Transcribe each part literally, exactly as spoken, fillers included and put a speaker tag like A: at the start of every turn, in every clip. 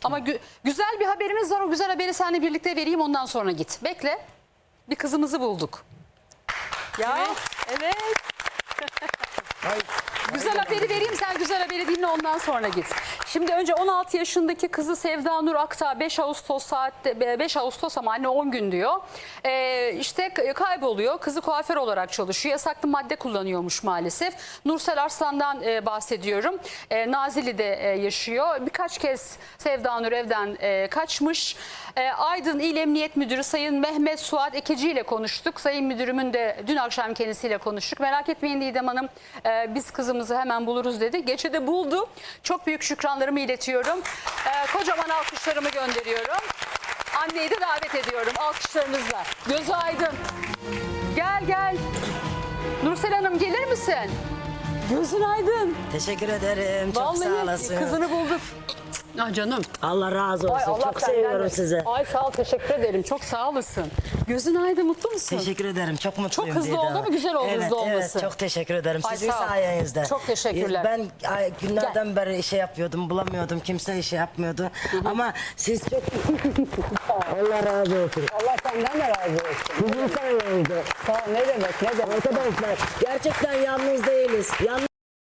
A: Ama gü güzel bir haberimiz var. O güzel haberi seninle birlikte vereyim, ondan sonra git. Bekle. Bir kızımızı bulduk. Ya evet.
B: Hayır.
A: Güzel haberi vereyim, sen güzel haberi dinle, ondan sonra git. Şimdi önce on altı yaşındaki kızı Sevda Nur Aktağ beş Ağustos saatte beş Ağustos ama anne on gün diyor. Ee, işte kayboluyor. Kızı kuaför olarak çalışıyor. Yasaklı madde kullanıyormuş maalesef. Nursel Arslan'dan e, bahsediyorum. E, Nazilli'de e, yaşıyor. Birkaç kez Sevda Nur evden e, kaçmış. E, Aydın İl Emniyet Müdürü Sayın Mehmet Suat Ekeci ile konuştuk. Sayın Müdürümün de dün akşam kendisiyle konuştuk. Merak etmeyin Didem Hanım, e, biz kızımızı hemen buluruz dedi. Gece de buldu. Çok büyük şükranlarımı iletiyorum. E, kocaman alkışlarımı gönderiyorum. Anneyi de davet ediyorum alkışlarınızla. Gözü aydın. Gel gel. Nursel Hanım gelir misin? Gözün aydın.
C: Teşekkür ederim. Çok sağ
A: Vallahi
C: olasın.
A: kızını bulduk. Ah canım.
C: Allah razı olsun.
A: Ay, Allah
C: Çok
A: senden
C: seviyorum
A: de.
C: sizi.
A: Ay sağ ol, teşekkür ederim. Çok sağ olasın. Gözün aydın, mutlu musun?
C: Teşekkür ederim. Çok mutluyum.
A: hızlı
C: Didem.
A: oldu ama güzel oldu
C: evet,
A: hızlı olması.
C: Evet, çok teşekkür ederim.
A: Ay,
C: Sizin
A: sağ ol.
C: sayenizde.
A: Çok teşekkürler.
C: Ben ay, günlerden beri işe yapıyordum. Bulamıyordum. Kimse işe yapmıyordu. Ama siz çok... Allah razı olsun.
A: Allah senden de razı olsun.
C: Sizin sayenizde.
A: Sağ ol, ne demek ne demek.
C: Arkadaşlar gerçekten yalnız değiliz. Yalnız...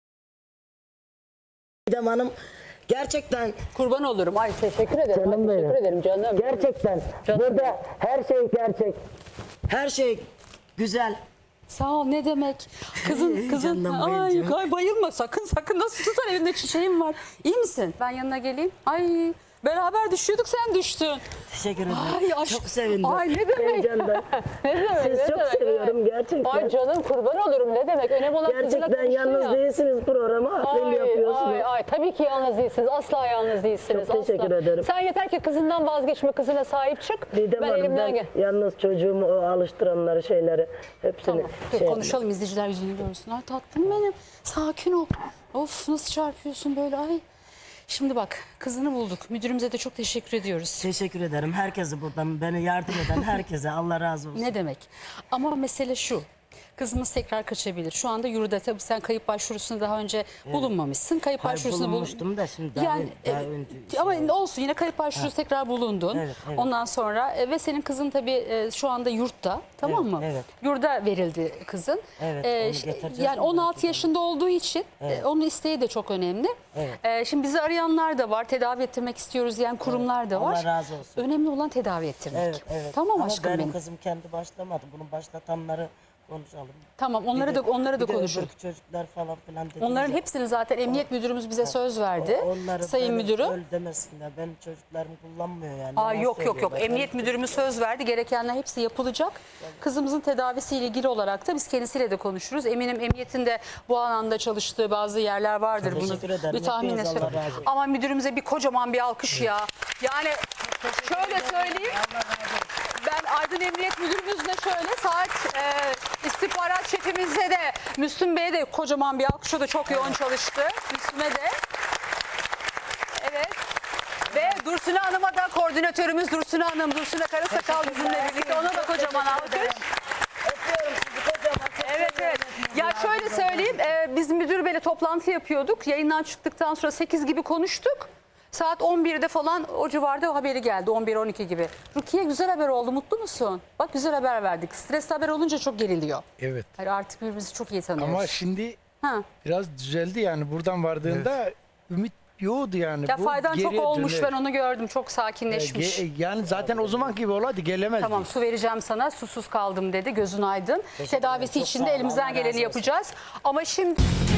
C: Didem Hanım gerçekten...
A: Kurban olurum. Ay teşekkür ederim.
C: Canım
A: Ay, teşekkür
C: benim.
A: ederim canım.
C: Gerçekten
A: Canım.
C: burada her şey gerçek. Her şey güzel.
A: Sağ ol, ne demek. Kızın kızın
C: Canım
A: ay,
C: bayılacağım.
A: ay bayılma sakın sakın, nasıl tutar, elinde çiçeğim var. İyi misin? Ben yanına geleyim. Ay beraber düşüyorduk, sen düştün.
C: Teşekkür ederim.
A: Ay, aşk-
C: Çok sevindim.
A: Ay, ne demek?
C: Heyecandan.
A: Ne demek?
C: Siz
A: ne
C: çok
A: demek,
C: seviyorum
A: evet.
C: gerçekten.
A: Ay canım kurban olurum, ne demek. Önemli olan kızına
C: Gerçekten
A: konuştun
C: yalnız
A: ya.
C: değilsiniz programa. Aferin
A: Ay,
C: yapıyorsunuz.
A: ay, ay, tabii ki yalnız değilsiniz. Asla yalnız değilsiniz.
C: Çok teşekkür
A: asla.
C: ederim.
A: Sen yeter ki kızından vazgeçme, kızına sahip çık.
C: Didem
A: ben
C: Hanım,
A: elimden
C: ben
A: gel.
C: yalnız çocuğumu o alıştıranları şeyleri hepsini
A: Tamam. Dur,
C: şey
A: konuşalım, izleyiciler yüzünü görsün. Ay tatlım benim. Sakin ol. Of nasıl çarpıyorsun böyle, ay. Şimdi bak, kızını bulduk. Müdürümüze de çok teşekkür ediyoruz.
C: Teşekkür ederim. Herkese buradan beni yardım eden herkese Allah razı olsun.
A: Ne demek? Ama mesele şu. Kızımız tekrar kaçabilir. Şu anda yurda, tabii sen kayıp başvurusunu daha önce bulunmamışsın. Kayıp
C: Hayır,
A: başvurusunu bul-
C: bulunmuştum da şimdi daha,
A: Yani,
C: daha
A: e,
C: önce.
A: ama
C: şey-
A: olsun, yine kayıp başvurusu tekrar bulundun.
C: Evet, evet.
A: Ondan sonra e, ve senin kızın tabii e, şu anda yurtta, tamam
C: Evet,
A: mı?
C: evet.
A: Yurda verildi kızın.
C: Evet,
A: E,
C: onu
A: ş-
C: getireceğiz
A: yani
C: onu
A: on altı
C: belki.
A: yaşında olduğu için e, onun isteği de çok önemli.
C: Evet.
A: E, şimdi bizi arayanlar da var. Tedavi ettirmek istiyoruz diyen kurumlar da
C: Allah
A: var.
C: razı olsun.
A: Önemli olan tedavi ettirmek.
C: Evet, evet.
A: Tamam
C: Ama
A: aşkım
C: benim
A: benim.
C: kızım kendi başlamadı. Bunu başlatanları konuşalım.
A: Tamam, onları
C: Bir
A: da
C: de-
A: onları da
C: bir de
A: konuşuruz.
C: öbür çocuklar falan filan dediniz
A: Onların
C: ya.
A: hepsini zaten emniyet müdürümüz bize söz verdi.
C: O- onları
A: Sayın
C: böyle
A: müdürü.
C: Öyle demesinler. Benim çocuklarım kullanmıyor yani.
A: Aa,
C: Yalan
A: yok yok yok.
C: söylüyorlar.
A: Emniyet
C: Benim
A: müdürümüz söz verdi. Gerekenler hepsi yapılacak. Kızımızın tedavisiyle ilgili olarak da biz kendisiyle de konuşuruz. Eminim emniyetin de bu alanda çalıştığı bazı yerler vardır. Bunu
C: Teşekkür ederim.
A: bir tahminle
C: Hepiniz Allah
A: söyleyeyim.
C: razı olsun.
A: Ama müdürümüze bir kocaman bir alkış ya. Yani şöyle söyleyeyim. Ben Aydın Emniyet Müdürümüzle şöyle saat e, istihbarat şefimize de Müslüm Bey'e de kocaman bir alkış. O da çok yoğun çalıştı. Müslüm'e de. Evet. Ve Dursune Hanım'a da, koordinatörümüz Dursune Hanım, Dursune Karasakal bizimle birlikte. Ona da kocaman alkış.
C: Öpüyorum sizi kocaman. Çok
A: Evet evet. Ya şöyle söyleyeyim, e, biz müdür beyle toplantı yapıyorduk. Yayından çıktıktan sonra sekiz gibi konuştuk. Saat on birde falan o civarda haberi geldi, on bir on iki gibi. Rukiye, güzel haber oldu, mutlu musun? Bak güzel haber verdik. Stresli haber olunca çok geriliyor.
B: Evet.
A: Hayır, artık birbirimizi çok iyi tanıyoruz.
B: Ama şimdi
A: Ha.
B: biraz düzeldi yani. Buradan vardığında ümit yoğdu yani.
A: Ya
B: Bu
A: faydan çok
B: geriye
A: olmuş,
B: döner.
A: ben onu gördüm, çok
B: E,
A: sakinleşmiş.
B: ge- Yani zaten o zaman gibi olaydı gelemezdi.
A: Tamam, su vereceğim sana, susuz kaldım dedi, gözün aydın. Tedavisi
C: Çok
A: için
C: sağ
A: de
C: ol,
A: elimizden
C: Allah razı
A: geleni
C: olsun.
A: yapacağız. Ama şimdi...